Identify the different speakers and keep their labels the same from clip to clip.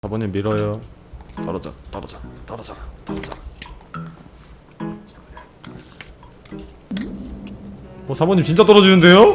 Speaker 1: 4번님 밀어요. 떨어져. 어, 4번님 진짜 떨어지는데요?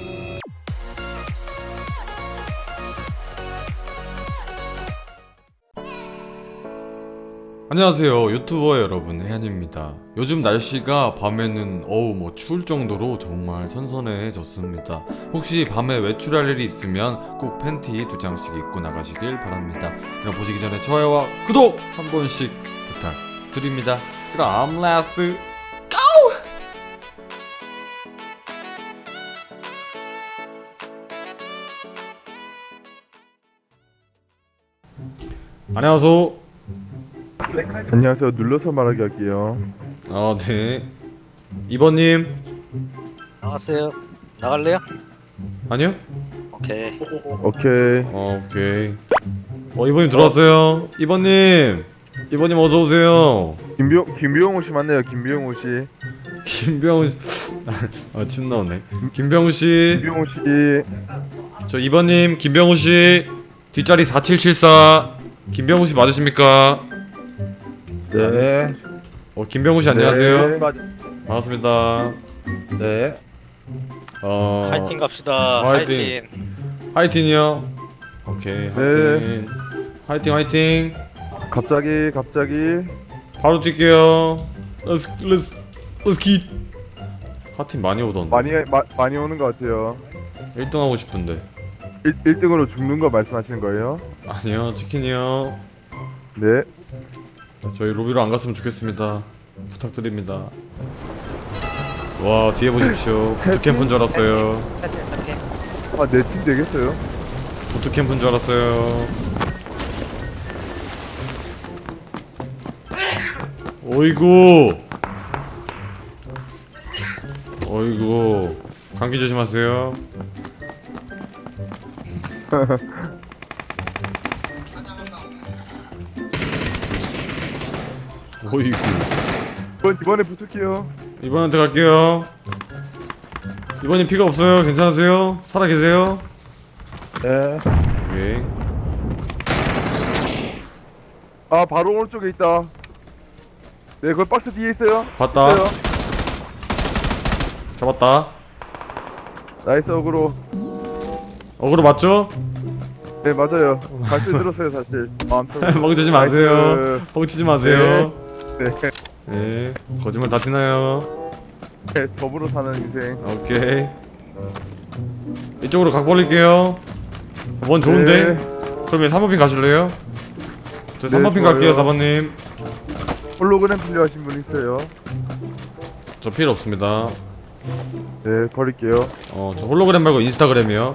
Speaker 1: 안녕하세요, 유튜버 여러분, 혜안입니다. 요즘 날씨가 밤에는 뭐 추울 정도로 정말 선선해졌습니다. 혹시 밤에 외출할 일이 있으면 꼭 팬티 2장씩 입고 나가시길 바랍니다. 그럼 보시기 전에 좋아요와 구독 한 번씩 부탁드립니다. 그럼 렛츠 고! 안녕하세요.
Speaker 2: 안녕하세요. 눌러서 말하기 할게요.
Speaker 1: 네. 2번님.
Speaker 3: 나갔어요. 나갈래요?
Speaker 1: 아니요?
Speaker 3: 오케이.
Speaker 2: 오케이.
Speaker 1: 오케이. 2번님 들어왔어요. 2번님 어서오세요.
Speaker 2: 김병호 씨 맞네요. 김병호 씨.
Speaker 1: 김병우 씨. 침 나오네. 김병우 씨.
Speaker 2: 김병호 씨.
Speaker 1: 저 2번님, 김병우 씨. 뒷자리 4774. 김병우 씨 맞으십니까?
Speaker 2: 네.
Speaker 1: 김병우 씨 안녕하세요.
Speaker 2: 네.
Speaker 1: 반갑습니다.
Speaker 2: 네.
Speaker 3: 파이팅 갑시다.
Speaker 1: 화이팅. 화이팅이요. 오케이.
Speaker 2: 네.
Speaker 1: 화이팅.
Speaker 2: 갑자기.
Speaker 1: 바로 뛸게요. Let's get. 하팀 많이 오던데.
Speaker 2: 많이 오는 것 같아요.
Speaker 1: 1등 하고 싶은데.
Speaker 2: 1등으로 죽는 거 말씀하시는 거예요?
Speaker 1: 아니요, 치킨이요.
Speaker 2: 네.
Speaker 1: 저희 로비로 안 갔으면 좋겠습니다. 부탁드립니다. 와, 뒤에 보십시오. 부트캠프인 줄 알았어요.
Speaker 3: 사팀.
Speaker 2: 아, 내 팀 되겠어요?
Speaker 1: 부트캠프인 줄 알았어요. 어이구. 감기 조심하세요. 어이구.
Speaker 2: 이번에 붙을게요.
Speaker 1: 이번한테 갈게요. 이번님 피가 없어요. 괜찮으세요? 살아 계세요?
Speaker 2: 네.
Speaker 1: 오케이.
Speaker 2: 아, 바로 오른쪽에 있다. 네, 그걸 박스 뒤에 있어요.
Speaker 1: 봤다.
Speaker 2: 있어요.
Speaker 1: 잡았다.
Speaker 2: 나이스 어그로.
Speaker 1: 어그로 맞죠?
Speaker 2: 네, 맞아요. 발표 들었어요, 사실. 마음속으로.
Speaker 1: 멍치지 마세요.
Speaker 2: 나이스.
Speaker 1: 멍치지 마세요.
Speaker 2: 네.
Speaker 1: 네. 거짓말 다 티나요.
Speaker 2: 네, 더불어 사는 인생.
Speaker 1: 오케이. 이쪽으로 각 벌릴게요. 원 좋은데?
Speaker 2: 네.
Speaker 1: 그러면 3번핀 가실래요? 저
Speaker 2: 네,
Speaker 1: 3번핀
Speaker 2: 좋아요.
Speaker 1: 갈게요, 4번님.
Speaker 2: 홀로그램 필요하신 분 있어요?
Speaker 1: 저 필요 없습니다.
Speaker 2: 네, 버릴게요.
Speaker 1: 저 홀로그램 말고 인스타그램이요.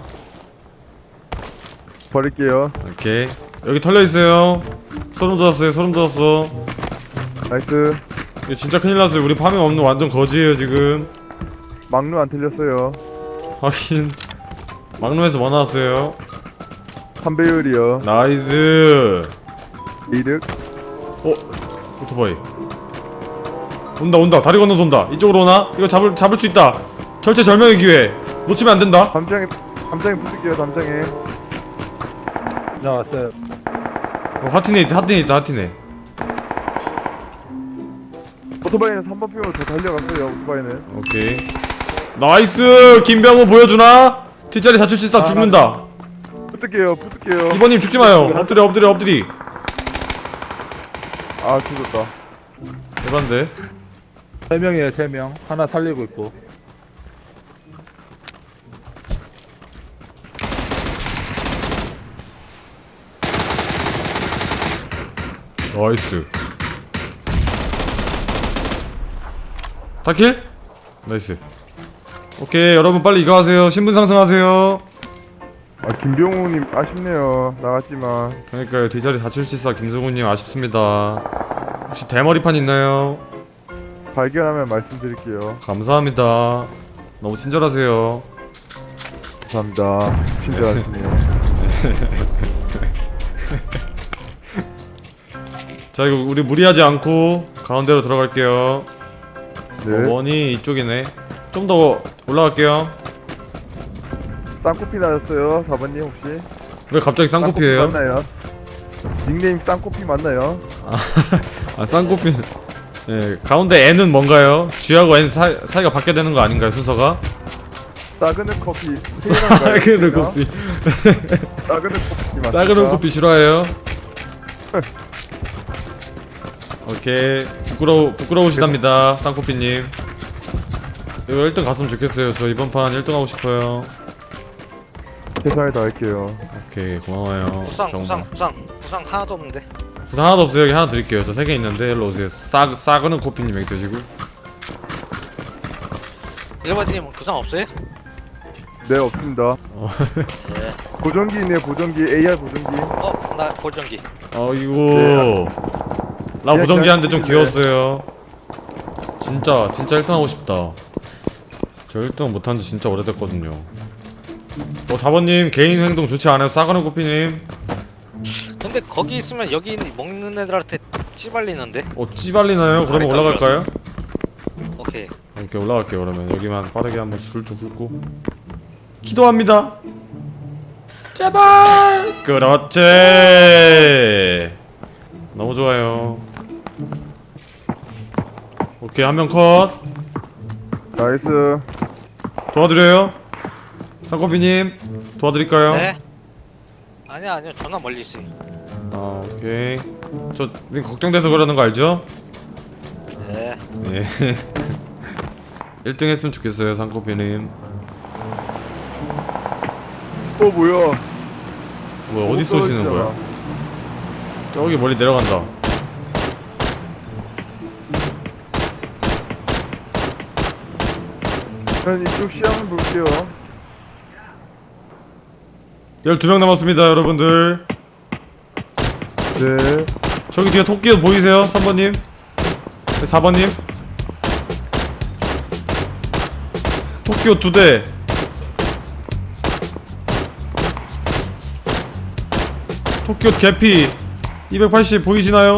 Speaker 2: 버릴게요.
Speaker 1: 오케이. 여기 털려있어요. 소름 돋았어.
Speaker 2: 나이스.
Speaker 1: 이거 진짜 큰일 났어요. 우리 파밍 없는 완전 거지예요, 지금.
Speaker 2: 막루 안 틀렸어요.
Speaker 1: 확인. 막루에서 뭐 나왔어요?
Speaker 2: 3배율이요.
Speaker 1: 나이스.
Speaker 2: 이득.
Speaker 1: 오토바이. 온다. 다리 건너서 온다. 이쪽으로 오나? 이거 잡을 수 있다. 절체절명의 기회. 놓치면 안 된다.
Speaker 2: 담장에 붙을게요. 담장에.
Speaker 4: 나왔어요.
Speaker 1: 하틴에 있다.
Speaker 2: 오토바이는 3번 핑으로 더 달려갔어요. 오토바이는.
Speaker 1: 오케이. 나이스. 김병호 보여주나? 뒷자리 4774 죽는다.
Speaker 2: 붙을게요.
Speaker 1: 2번님 죽지 마요. 엎드리.
Speaker 2: 아, 죽었다.
Speaker 1: 에반데.
Speaker 4: 3명이에요, 3명. 하나 살리고 있고.
Speaker 1: 나이스. 다킬? 나이스. 오케이, 여러분 빨리 이거 하세요. 신분 상승하세요.
Speaker 2: 아, 김병호님 아쉽네요. 나갔지만.
Speaker 1: 그러니까요, 뒷자리 4774 김승우님 아쉽습니다. 혹시 대머리판 있나요?
Speaker 2: 발견하면 말씀드릴게요.
Speaker 1: 감사합니다. 너무 친절하세요.
Speaker 2: 감사합니다. 친절하시네요.
Speaker 1: 자, 이거 우리 무리하지 않고 가운데로 들어갈게요.
Speaker 2: 네.
Speaker 1: 원이 이쪽이네. 좀 더 올라갈게요.
Speaker 2: 쌍코피 나셨어요, 4번님 혹시?
Speaker 1: 왜 갑자기 쌍코피예요?
Speaker 2: 맞나요? 닉네임 쌍코피 맞나요?
Speaker 1: 아 쌍꺼필. 예, 가운데 N은 뭔가요? G하고 N 사이가 바뀌어야 되는 거 아닌가요, 순서가?
Speaker 2: 싸그는 커피.
Speaker 1: 싸그는 커피.
Speaker 2: 싸그는 커피 맞습니까?
Speaker 1: 싸그는 커피 싫어해요? 오케이. 부끄러우시답니다, 쌍코피님. 이거 1등 갔으면 좋겠어요. 저 이번 판 1등 하고 싶어요.
Speaker 2: 최선을 다할게요.
Speaker 1: 오케이, 고마워요.
Speaker 3: 구상
Speaker 1: 정말.
Speaker 3: 구상 하나도 없는데.
Speaker 1: 구상 하나도 없어요. 여기 하나 드릴게요. 저 3개 있는데 일로 오세요. 싸그는 코피님 여기 드시고.
Speaker 3: 1번님 구상 없어요?
Speaker 2: 네 없습니다.
Speaker 3: 예.
Speaker 2: 보정기 있네요. 보정기 AR 보정기.
Speaker 3: 나 보정기.
Speaker 1: 이거 나 보정기 하는데 좀
Speaker 2: 네.
Speaker 1: 귀여웠어요. 진짜 1등 하고 싶다. 저 1등 못한 지 진짜 오래됐거든요. 4번님 개인 행동 좋지 않아요? 싸가는 코피님.
Speaker 3: 근데 거기 있으면 여기 먹는 애들한테 찌발리는데.
Speaker 1: 찌발리나요? 그러면
Speaker 3: 아래까지
Speaker 1: 올라갈까요?
Speaker 3: 오케이.
Speaker 1: 이렇게 올라갈게요. 그러면 여기만 빠르게 한번 술좀 훑고 기도합니다. 제발. 그렇지. 너무 좋아요. 오케이, 한 명 컷.
Speaker 2: 나이스.
Speaker 1: 도와드려요. 상코피님 도와드릴까요?
Speaker 3: 네. 아니요 전화 멀리 있어요.
Speaker 1: 오케이. 저 걱정돼서 그러는 거 알죠?
Speaker 3: 네.
Speaker 1: 네. 1등 했으면 좋겠어요, 상코피님.
Speaker 2: 뭐야?
Speaker 1: 뭐야, 어디 쏘시는 거야? 저기 멀리 내려간다.
Speaker 2: 전 이쪽 시야 한번 볼게요.
Speaker 1: 12명 남았습니다, 여러분들.
Speaker 2: 네.
Speaker 1: 저기 뒤에 토끼 보이세요? 3번님? 4번님? 토끼옷 2대. 토끼옷 개피 280 보이시나요?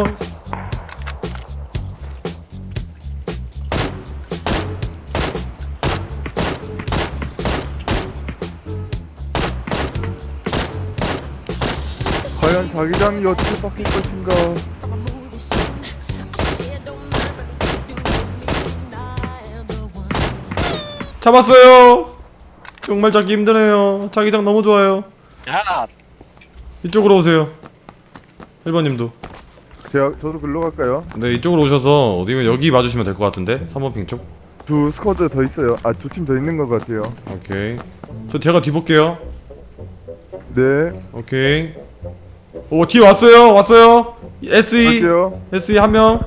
Speaker 2: 과연 자기장이 어떻게 바뀔 것인가?
Speaker 1: 잡았어요. 정말 잡기 힘드네요. 자기장 너무 좋아요.
Speaker 3: 야.
Speaker 1: 이쪽으로 오세요. 1번님도.
Speaker 2: 저도 글로 갈까요?
Speaker 1: 네, 이쪽으로 오셔서 어디면 여기 봐주시면 될 것 같은데. 3번 핑 쪽.
Speaker 2: 두 스쿼드 더 있어요. 아, 두 팀 더 있는 것 같아요.
Speaker 1: 오케이. 저 제가 뒤 볼게요.
Speaker 2: 네.
Speaker 1: 오케이. 오, 뒤에 왔어요. SE.
Speaker 2: 갈게요.
Speaker 1: SE 한 명.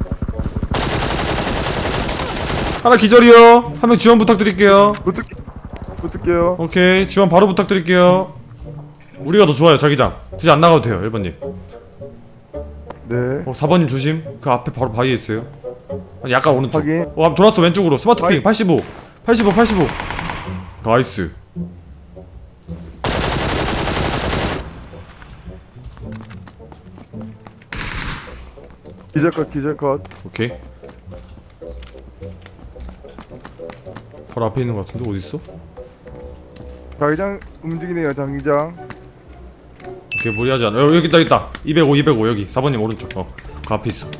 Speaker 1: 하나 기절이요. 한 명 지원 부탁드릴게요.
Speaker 2: 붙을게요.
Speaker 1: 오케이. 지원 바로 부탁드릴게요. 우리가 더 좋아요, 자기장. 굳이 안 나가도 돼요, 1번님.
Speaker 2: 네.
Speaker 1: 4번님 조심. 그 앞에 바로 바위에 있어요. 아니, 약간 오른쪽.
Speaker 2: 확인.
Speaker 1: 한번 돌았어, 왼쪽으로. 스마트 핑
Speaker 2: 바위.
Speaker 1: 85. 나이스.
Speaker 2: 기절컷.
Speaker 1: 오케이. 바로 앞에 있는 것 같은데 어디 있어?
Speaker 2: 자기장 움직이네요. 자기장.
Speaker 1: 오케이, 무리하지 않아. 여기 있다. 205 여기. 4번님 오른쪽. 그 앞에 있어.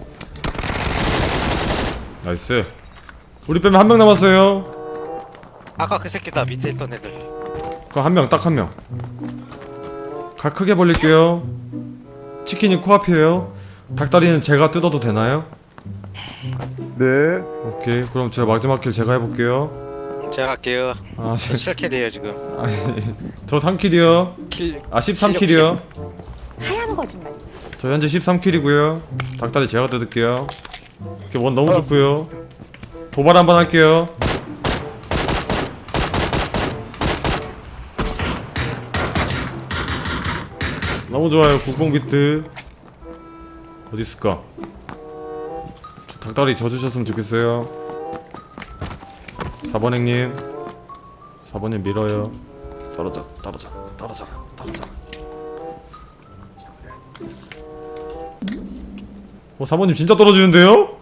Speaker 1: 나이스. 우리 빼면 한 명 남았어요.
Speaker 3: 아까 그 새끼다 밑에 있던 애들.
Speaker 1: 그 한 명, 딱 한 명. 각 크게 벌릴게요. 치킨이 코앞이에요. 닭다리는 제가 뜯어도 되나요?
Speaker 2: 네.
Speaker 1: 오케이, 그럼 제가 마지막 킬 제가 해볼게요.
Speaker 3: 제가 갈게요.
Speaker 1: 아,
Speaker 3: 저 7킬이에요 지금.
Speaker 1: 아니, 저 3킬이요.
Speaker 3: 킬.
Speaker 1: 13킬이요.
Speaker 5: 하얀 거짓말.
Speaker 1: 저 현재 13킬이고요. 닭다리 제가 뜯을게요. 이렇게 원 너무 좋고요. 도발 한번 할게요. 너무 좋아요. 국뽕 비트. 어디 있을까? 저 닭다리 져주셨으면 좋겠어요. 4번 행님. 4번님 밀어요. 떨어져. 4번님 진짜 떨어지는데요?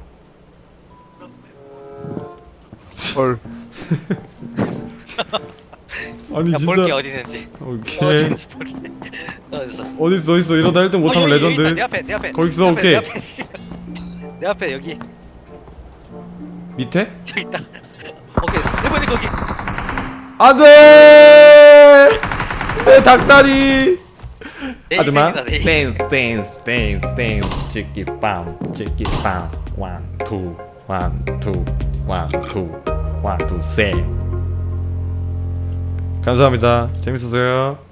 Speaker 2: 헐.
Speaker 1: 아니
Speaker 3: 야,
Speaker 1: 진짜.
Speaker 3: 볼게 어디 있는지.
Speaker 1: 오케이.
Speaker 3: 어디 있는지 볼게. 어딨어?
Speaker 1: 어딨어 이러다 1등 못하면
Speaker 3: 여기, 여기
Speaker 1: 레전드.
Speaker 3: 있다, 내 앞에 내 앞에.
Speaker 1: 거기 있어,
Speaker 3: 내 앞에,
Speaker 1: 오케이.
Speaker 3: 내 앞에. 내 앞에 여기
Speaker 1: 밑에?
Speaker 3: 저기 있다. 오케이 해보니 거기.
Speaker 1: 안돼. 내 닭다리.
Speaker 3: 내
Speaker 1: 하지마.
Speaker 3: 인생이다, 내 인생.
Speaker 1: 댄스 치키빵 1, 2, 1, 2, 3. 감사합니다. 재밌었어요.